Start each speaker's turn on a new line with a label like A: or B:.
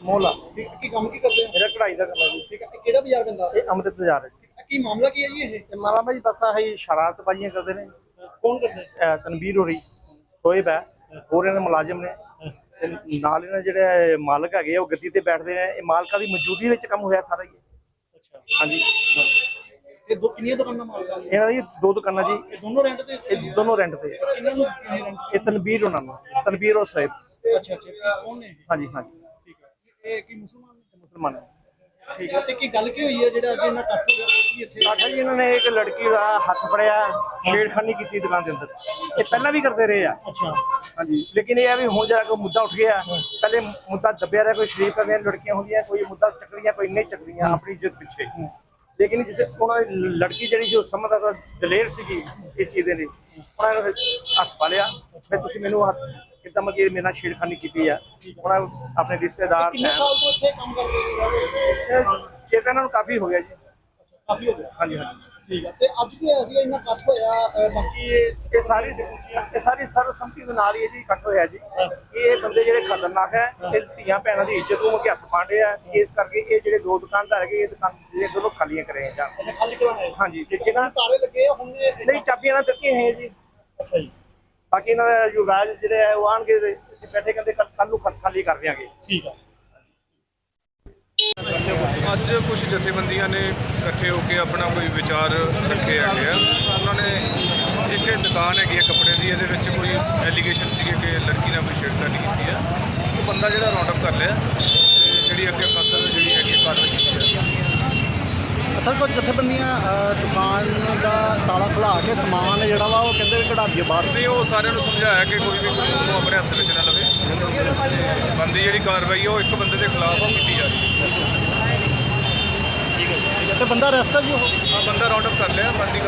A: ਮੋਲਾ
B: ਕੀ ਕੰਮ ਕੀ ਕਰਦੇ ਹੋ?
A: ਮੇਰਾ ਕਢਾਈ ਦਾ ਕੰਮ ਹੈ ਜੀ।
B: ਠੀਕ ਹੈ, ਇਹ ਕਿਹੜਾ ਬਾਜ਼ਾਰ ਪੈਂਦਾ?
A: ਇਹ ਅੰਮ੍ਰਿਤ ਬਾਜ਼ਾਰ ਹੈ ਜੀ।
B: ਕੀ ਮਾਮਲਾ ਕੀ ਹੈ ਜੀ ਇਹ?
A: ਤੇ ਮਾਲਾ ਭਾਜੀ ਬਸ ਆਹੀ ਸ਼ਰਾਰਤਬਾਜ਼ੀਆਂ ਕਰਦੇ ਨੇ।
B: ਕੌਣ ਕਰਦੇ?
A: ਤਨਵੀਰ ਹੋਰੀ, ਸ਼ੋਏਬ ਹੈ, ਹੋਰ ਇਹਨਾਂ ਦੇ ਮੁਲਾਜ਼ਮ ਨੇ ਤੇ ਨਾਲ ਇਹਨਾਂ ਦੇ ਜਿਹੜੇ ਮਾਲਕ ਹੈਗੇ ਆ ਉਹ ਗੱਦੀ ਤੇ ਬੈਠਦੇ ਨੇ। ਇਹ ਮਾਲਕਾਂ ਦੀ ਮੌਜੂਦਗੀ ਵਿੱਚ ਕੰਮ ਹੋਇਆ ਸਾਰਾ ਹੀ।
B: ਅੱਛਾ,
A: ਹਾਂਜੀ,
B: ਇਹ ਕਿੰਨੀਆਂ ਦੁਕਾਨਾਂ ਮਾਲਕਾਂ ਦੀਆਂ?
A: ਇਹਨਾਂ ਦੀ ਦੋ ਦੁਕਾਨਾਂ ਜੀ।
B: ਇਹ ਦੋਨੋਂ ਰੈਂਟ ਤੇ?
A: ਇਹ ਦੋਨੋਂ ਰੈਂਟ ਤੇ ਹੈ।
B: ਕਿੰਨਾਂ ਨੂੰ ਦਿੱਤੀਆਂ ਇਹ ਰੈਂਟ?
A: ਇਹ ਤਨਵੀਰ ਉਹਨਾਂ ਨੂੰ, ਤਨਵੀਰ ਔਰ ਸ਼ੋਏਬ।
B: ਅੱਛਾ ਅੱਛਾ, ਕੌਣ ਨੇ ਇਹ?
A: ਹਾਂਜੀ ਹਾਂਜੀ,
B: ਠੀਕ ਹੈ, ਇਹ ਕੀ ਮੁਸਲਮਾਨ ਨੇ?
A: ਮੁਸਲਮਾਨ ਹੈ।
B: ਠੀਕ ਹੈ, ਤੇ ਕੀ ਗੱਲ ਕੀ ਹੋਈ ਹੈ ਜਿਹੜਾ ਅੱਜ ਇਹਨਾਂ ਇਕੱਠ ਹੋ ਗਿਆ ਤੁਸੀਂ ਇੱਥੇ?
A: ਆਖਿਆ ਜੀ ਇਹਨਾਂ ਨੇ ਇੱਕ ਲੜਕੀ ਦਾ ਹੱਥ ਫੜਿਆ, ਛੇੜਖਾਨੀ ਕੀਤੀ ਦੁਕਾਨ ਦੇ ਅੰਦਰ। ਇਹ ਪਹਿਲਾਂ ਵੀ ਕਰਦੇ ਰਹੇ ਆ।
B: ਅੱਛਾ,
A: ਹਾਂਜੀ, ਲੇਕਿਨ ਇਹ ਆ ਵੀ ਹੁਣ ਜਿਹੜਾ ਕੋਈ ਮੁੱਦਾ ਉੱਠ ਗਿਆ, ਪਹਿਲੇ ਮੁੱਦਾ ਦੱਬਿਆ ਰਿਹਾ। ਕੋਈ ਸ਼ਰੀਫ ਕਰਦੀਆਂ ਲੜਕੀਆਂ ਹੁੰਦੀਆਂ, ਕੋਈ ਮੁੱਦਾ ਚੱਕਦੀਆਂ, ਕੋਈ ਨਹੀਂ ਚੱਕਦੀਆਂ ਆਪਣੀ ਇੱਜ਼ਤ ਪਿੱਛੇ। ਲੇਕਿਨ ਜਿਸ ਉਹਨਾਂ ਦੀ ਲੜਕੀ ਜਿਹੜੀ ਸੀ ਉਹ ਸਮਝਦਾ ਤਾਂ ਦਲੇਰ ਸੀਗੀ ਇਸ ਚੀਜ਼ ਦੇ ਲਈ, ਉਹਨਾਂ ਨੇ ਹੱਥ ਪਾ ਲਿਆ। ਫਿਰ ਤੁਸੀਂ ਮੈਨੂੰ ਹੱਥ ਕਿੱਦਾਂ ਮਤਲਬ ਮੇਰੇ ਨਾਲ ਛੇੜਖਾਨੀ ਕੀਤੀ ਆ। ਉਹਨਾਂ ਆਪਣੇ ਰਿਸ਼ਤੇਦਾਰ
B: ਕਿੰਨੇ ਸਾਲ ਤੋਂ ਇੱਥੇ ਕੰਮ ਕਰ ਰਹੇ ਹੋ?
A: ਇਹ ਤਾਂ ਇਹਨਾਂ ਨੂੰ ਕਾਫੀ ਹੋ ਗਿਆ ਜੀ।
B: ਕਾਫੀ ਹੋ ਗਿਆ।
A: ਹਾਂਜੀ ਹਾਂਜੀ,
B: ਠੀਕ ਹੈ, ਤੇ ਅੱਜ ਵੀ ਹੋਇਆ ਸੀ ਇੰਨਾ ਇਕੱਠ ਹੋਇਆ? ਬਾਕੀ
A: ਇਹ ਸਾਰੀ ਸਰਬਸੰਮਤੀ ਦੇ ਨਾਲ ਹੀ ਇਹ ਜੀ ਇਕੱਠ ਹੋਇਆ ਜੀ। ਇਹ ਬੰਦੇ ਜਿਹੜੇ ਖਤਰਨਾਕ ਹੈ, ਇਹ ਧੀਆਂ ਭੈਣਾਂ ਦੀ ਇੱਜ਼ਤ ਨੂੰ ਅੱਗੇ ਹੱਥ ਪਾਉਂਦੇ ਆ। ਇਸ ਕਰਕੇ ਇਹ ਜਿਹੜੇ ਦੋ ਦੁਕਾਨਦਾਰ ਹੈਗੇ, ਇਹ ਦੁਕਾਨ ਜਿਹੜੇ ਦੋਨੋਂ ਖਾਲੀਆਂ ਕਰੇ ਜਾਂ
B: ਖਾਲੀ ਕਰਾਉਣਾ?
A: ਹਾਂਜੀ, ਤੇ ਜਿਹਨਾਂ
B: ਤਾਲੇ ਲੱਗੇ ਆ ਹੁਣ?
A: ਨਹੀਂ, ਚਾਬੀਆਂ ਨਾਲ ਦਿੱਤੀਆਂ ਹੈ ਜੀ।
B: ਅੱਛਾ ਜੀ,
A: ਬਾਕੀ ਇਹਨਾਂ ਦਾ ਯੁਵਰਾਜ ਜਿਹੜੇ ਹੈ ਉਹ ਆਣਗੇ ਬੈਠੇ, ਕਹਿੰਦੇ ਕੱਲ ਨੂੰ ਖਾਲੀ ਕਰ ਦਿਆਂਗੇ।
B: ਠੀਕ ਹੈ।
C: ਅੱਜ ਕੁਝ ਜਥੇਬੰਦੀਆਂ ਨੇ ਇਕੱਠੇ ਹੋ ਕੇ ਆਪਣਾ ਕੋਈ ਵਿਚਾਰ ਰੱਖੇ ਹੈਗੇ ਆ। ਉਹਨਾਂ ਨੇ ਇੱਕ ਦੁਕਾਨ ਹੈਗੀ ਹੈ ਕੱਪੜੇ ਦੀ, ਇਹਦੇ ਵਿੱਚ ਕੋਈ ਐਲੀਗੇਸ਼ਨ ਸੀਗੇ ਕਿ ਲੜਕੀ ਨਾਲ ਕੋਈ ਛੇੜਖਾਨੀ ਕੀਤੀ ਹੈ। ਉਹ ਬੰਦਾ ਜਿਹੜਾ ਰਾਉਂਡ ਅਪ ਕਰ ਲਿਆ ਤੇ ਜਿਹੜੀ ਅੱਗੇ ਫਸਲ ਜਿਹੜੀ ਹੈਗੀ ਕਾਰਵਾਈ ਕੀਤੀ ਹੈ।
B: ਅਸਲ ਕੁਝ ਜਥੇਬੰਦੀਆਂ ਦੁਕਾਨ ਦਾ ਤਾਲਾ ਖੁਲਾ ਕੇ ਸਮਾਨ ਜਿਹੜਾ ਵਾ ਉਹ ਕਹਿੰਦੇ ਕਢਾ ਦਈਏ ਬਾਹਰ।
C: ਤੇ ਉਹ ਸਾਰਿਆਂ ਨੂੰ ਸਮਝਾਇਆ ਕਿ ਕੋਈ ਵੀ ਉਹਨੂੰ ਆਪਣੇ ਹੱਥ ਵਿੱਚ ਨਾ ਲਵੇ। ਬੰਦੀ ਜਿਹੜੀ ਕਾਰਵਾਈ ਉਹ ਇੱਕ ਬੰਦੇ ਦੇ ਖਿਲਾਫ ਉਹ ਕੀਤੀ ਜਾ ਰਹੀ ਹੈ।
B: ਤੇ ਬੰਦਾ ਅਰੈਸਟ ਹੈ ਜੀ ਉਹ?
C: ਬੰਦਾ ਰਾਉਂਡ ਅਪ ਕਰ ਲਿਆ। ਬੰਦੀ